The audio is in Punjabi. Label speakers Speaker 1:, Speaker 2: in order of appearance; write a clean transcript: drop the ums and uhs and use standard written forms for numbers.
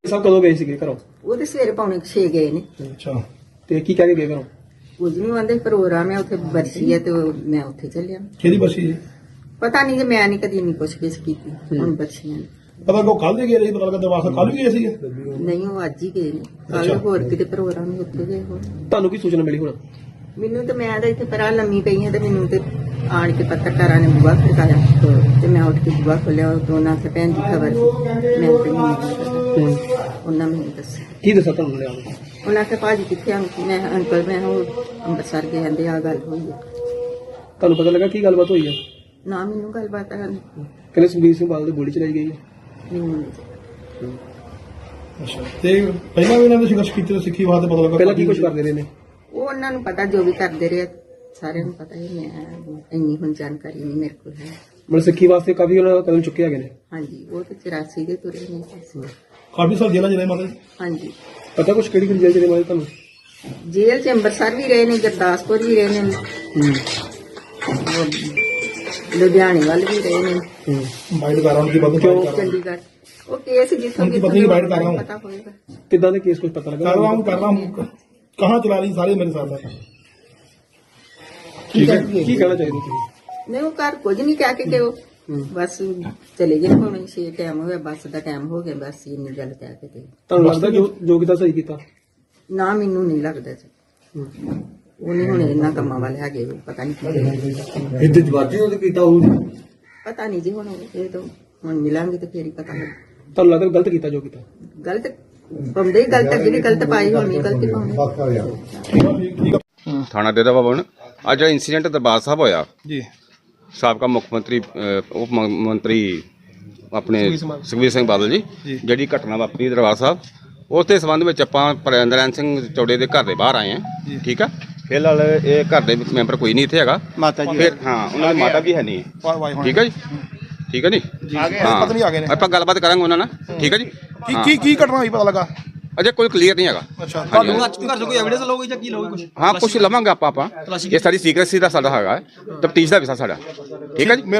Speaker 1: ਸਭ ਕਦੋਂ ਗਏ ਸੀਗੇ ਘਰੋਂ?
Speaker 2: ਉਹ ਤੇ ਸਵੇਰੇ ਪੌਣੇ 6 ਗਏ ਨੇ।
Speaker 1: ਅੱਛਾ, ਤੇ ਕੀ ਕਹਿ ਕੇ ਗਏ ਘਰੋਂ?
Speaker 2: ਕੁਝ ਨਹੀਂ ਆਂਦੇ, ਪ੍ਰੋਗਰਾਮ ਹੈ ਉੱਥੇ ਬਰਸੀ ਹੈ ਤੇ ਮੈਂ ਉੱਥੇ ਚੱਲਿਆ।
Speaker 1: ਕਿਹਦੀ ਬਸੀ ਜੀ?
Speaker 2: ਪਤਾ ਨਹੀਂ, ਜੇ ਮੈਂ ਨਹੀਂ ਕਦੀ ਨਹੀਂ ਪੁੱਛ-ਗਿੱਛ ਕੀਤੀ ਹੁਣ ਬੱਚੀਆਂ ਨੇ।
Speaker 1: ਪਤਾ ਕੋ ਕੱਲ ਦੇ ਗਏ ਰਹੀ, ਪਤਾ ਲੱਗਾ ਦਰਵਾਜ਼ਾ ਕੱਲ ਵੀ ਗਏ ਸੀਗੇ?
Speaker 2: ਨਹੀਂ, ਉਹ ਅੱਜ ਹੀ ਗਏ ਨੇ। ਕੱਲ ਹੋਰ ਕਿਤੇ ਪ੍ਰੋਗਰਾਮ ਹੀ ਉੱਥੇ ਗਏ ਹੋਣ।
Speaker 1: ਤੁਹਾਨੂੰ ਕੀ ਸੂਚਨਾ ਮਿਲੀ ਹੁਣ?
Speaker 2: ਮੈਨੂੰ ਤੇ ਮੈਂ ਤਾਂ ਇੱਥੇ ਪਰਾਂ ਲੰਮੀ ਪਈ ਹਾਂ ਤੇ ਮੈਨੂੰ ਤੇ ਆਣ ਕੇ ਪੱਤਰਕਾਰਾਂ ਨੇ ਬੁਆ ਖੜਕਾਇਆ ਤੇ ਮੈਂ ਉੱਠ ਕੇ ਬੁਆ ਖੋਲਿਆ। ਉਹ ਦੋਨਾਂ ਤੇ ਭੈਣ ਦੀ ਖਬਰ ਸੀ, ਮੈਂ ਤੇ ਨਹੀਂ ਪਤਾ। ਉਹਨਾਂ ਮੈਨੂੰ ਦੱਸਿਆ।
Speaker 1: ਕੀ ਦੱਸਿਆ ਤੁਹਾਨੂੰ ਲਿਆ?
Speaker 2: ਉਹਨਾਂ ਕੇ ਭਾਜੀ ਕਿੱਥੇ ਆਂ? ਮੈਂ ਅੰਕਲ ਮੈਂ ਉਹ ਅੰਮ੍ਰਿਤਸਰ ਗਏ ਕਹਿੰਦੇ ਆ ਗੱਲ ਹੋਈ ਹੈ।
Speaker 1: ਤੁਹਾਨੂੰ ਪਤਾ ਲੱਗਾ ਕੀ ਗੱਲਬਾਤ ਹੋਈ ਹੈ?
Speaker 2: ਨਾ ਮੈਨੂੰ ਗੱਲਬਾਤ
Speaker 1: ਕਹਿੰਦੇ ਸੁਖਬੀਰ ਸਿੰਘ ਬਾਦਲ ਦੀ ਗੋਲੀ ਚਲਾਈ ਗਈ ਹੈ।
Speaker 2: ਮੈਨੂੰ
Speaker 1: ਅੱਛਾ, ਤੇ ਪਹਿਲਾਂ ਵੀ ਇਹਨਾਂ ਦੇ ਸੰਘਰਸ਼ ਕੀਤੇ ਸਿੱਖੀ ਵਾਸਤੇ ਪਤਾ ਲੱਗਾ? ਪਹਿਲਾਂ ਕੀ ਕੁਝ ਕਰਦੇ ਰਹੇ ਨੇ?
Speaker 2: ਉਹ ਉਹਨਾਂ ਨੂੰ ਪਤਾ, ਜੋ ਵੀ ਕਰਦੇ ਰਹੇ ਸਾਰਿਆਂ ਨੂੰ ਪਤਾ ਹੀ। ਮੈਂ ਇੰਨੀ ਹੁਣ ਜਾਣਕਾਰੀ ਨਹੀਂ ਮੇਰੇ ਕੋਲ ਹੈ।
Speaker 1: ਮਤਲਬ ਸਿੱਖੀ ਵਾਸਤੇ ਕਾਫੀ ਉਹਨਾਂ ਕਦਮ ਚੁੱਕੇ ਹੈਗੇ ਨੇ।
Speaker 2: ਹਾਂਜੀ, ਉਹ ਤੇ 84 ਦੇ ਤੁਰੇ ਨੇ।
Speaker 1: ਕਾਫੀ ਸਾਲ ਜੇਲ੍ਹਾਂ ਜਿਹੜੇ ਮਾਤਾ?
Speaker 2: ਹਾਂਜੀ,
Speaker 1: ਪਤਾ ਕੁਛ ਕਿਹੜੀ ਕਿਹੜੀ ਜੇਲ੍ਹ ਜਿਹੜੇ ਮਾਤਾ ਤੁਹਾਨੂੰ?
Speaker 2: ਜੇਲ੍ਹ ਚ ਅੰਮ੍ਰਿਤਸਰ ਵੀ ਰਹੇ ਨੇ, ਗੁਰਦਾਸਪੁਰ ਵੀ ਰਹੇ ਨੇ, ਲੁਧਿਆਣੇ ਵੱਲ ਵੀ ਰਹੇ ਨੇ,
Speaker 1: ਬਾਈਟ ਕਰ ਰਹਾ ਹਾਂ ਕਿ ਬੰਦ
Speaker 2: ਕਿਉਂ ਚੰਡੀਗੜ੍ਹ। ਉਹ ਕੇਸ ਜਿੱਥੋਂ
Speaker 1: पत्नी की बाइट कर रहा हूं।
Speaker 2: ਪਤਾ ਹੋਏਗਾ।
Speaker 1: कितना ने केस कुछ पता लगा? कर रहा हूं कहाँ चला रही सारे मेरे साथ है। ठीक है, की कहना चाहिए तुम?
Speaker 2: ਨਹੀਂ, ਉਹ ਘਰ ਕੁਝ ਨਹੀਂ ਕਹਿ ਕੇ ਕਿ ਉਹ ਬਸ ਚਲੇ ਗਏ। ਹੁਣ 6 ਟਾਈਮ ਹੋ ਗਿਆ, ਬੱਸ ਦਾ ਟਾਈਮ ਹੋ ਗਿਆ, ਬਸ ਇੰਨੀ ਗੱਲ ਕਹਿ ਕੇ ਤੇ।
Speaker 1: ਤੁਹਾਨੂੰ ਲੱਗਦਾ ਜੋ ਕੀਤਾ ਸਹੀ ਕੀਤਾ?
Speaker 2: ਨਾ, ਮੈਨੂੰ ਨਹੀਂ ਲੱਗਦਾ ਜੀ। ਉਹ ਨਹੀਂ ਹੁਣ ਇਹਨਾਂ ਕੰਮਾਂ ਵਾਲੇ ਹੈਗੇ, ਉਹ ਪਤਾ ਨਹੀਂ ਕੀ
Speaker 1: ਇੱਥੇ ਜਵਾਜੀ ਉਹਦੇ ਕੀਤਾ ਉਹ?
Speaker 2: ਪਤਾ ਨਹੀਂ ਜੀ। ਹੁਣ ਇਹ ਤਾਂ ਹੁਣ ਮਿਲਾਂਗੇ ਤੇ ਫੇਰ ਹੀ ਪਤਾ ਲੱਗ।
Speaker 1: ਤੁਹਾਨੂੰ ਲੱਗਦਾ ਗਲਤ ਕੀਤਾ ਜੋ ਕੀਤਾ?
Speaker 2: ਗਲਤ ਬੰਦੇ ਹੀ ਗਲਤ, ਜਿਹੜੀ ਗਲਤ ਪਾਈ ਹੋਣੀ ਗਲਤੀ ਪਾਉਣੀ।
Speaker 3: ਥਾਣਾ ਡੇਰਾ ਬਾਬਾ ਬਣ ਅੱਜ ਇੰਸੀਡੈਂਟ ਦਰਬਾਰ ਸਾਹਿਬ ਹੋਇਆ
Speaker 1: ਜੀ।
Speaker 3: ਸਾਬਕਾ ਮੁੱਖ ਮੰਤਰੀ ਉਪ ਮੰਤਰੀ ਆਪਣੇ ਸੁਖਬੀਰ ਸਿੰਘ ਬਾਦਲ ਜੀ ਜਿਹੜੀ ਘਟਨਾ ਵਾਪਰੀ ਦਰਬਾਰ ਸਾਹਿਬ, ਉਸ ਦੇ ਸੰਬੰਧ ਵਿੱਚ ਆਪਾਂ ਪ੍ਰਿੰਦਰਨ ਸਿੰਘ ਚੌੜੇ ਦੇ ਘਰ ਦੇ ਬਾਹਰ ਆਏ ਹਾਂ। ਠੀਕ ਆ, ਫਿਲਹਾਲ ਇਹ ਘਰ ਦੇ ਵਿੱਚ ਮੈਂਬਰ ਕੋਈ ਨਹੀਂ ਇੱਥੇ ਹੈਗਾ। ਫਿਰ ਹਾਂ, ਉਹਨਾਂ ਦੀ ਮਾਤਾ ਵੀ ਹੈ ਨਹੀਂ। ਠੀਕ ਹੈ ਜੀ, ਠੀਕ ਹੈ ਜੀ। ਹਾਂ, ਆਪਾਂ ਗੱਲਬਾਤ ਕਰਾਂਗੇ ਉਹਨਾਂ ਨਾਲ। ਠੀਕ ਹੈ ਜੀ।
Speaker 1: ਕੀ ਘਟਨਾ ਹੋਈ ਪਤਾ ਲੱਗਾ?
Speaker 3: ਅਜੇ ਕੋਈ ਕਲੀਅਰ ਨਹੀਂ ਹੈਗਾ।
Speaker 1: ਅੱਛਾ,
Speaker 3: ਤੁਹਾਨੂੰ ਘਰ ਕੋਈ ਐਵੀਡੈਂਸ ਲਓਗੇ ਜਾਂ ਕੀ ਲਓਗੇ ਕੁਝ? ਹਾਂ, ਕੁਝ ਲਵਾਂਗੇ ਆਪਾਂ। ਇਹ ਸਾਰੀ ਸੀਕ੍ਰੇਸੀ ਦਾ ਸਾਡਾ ਹੈਗਾ, ਤਫਤੀਸ਼ ਦਾ ਵਿਸ਼ਾ ਸਾਡਾ। ਠੀਕ ਹੈ ਜੀ।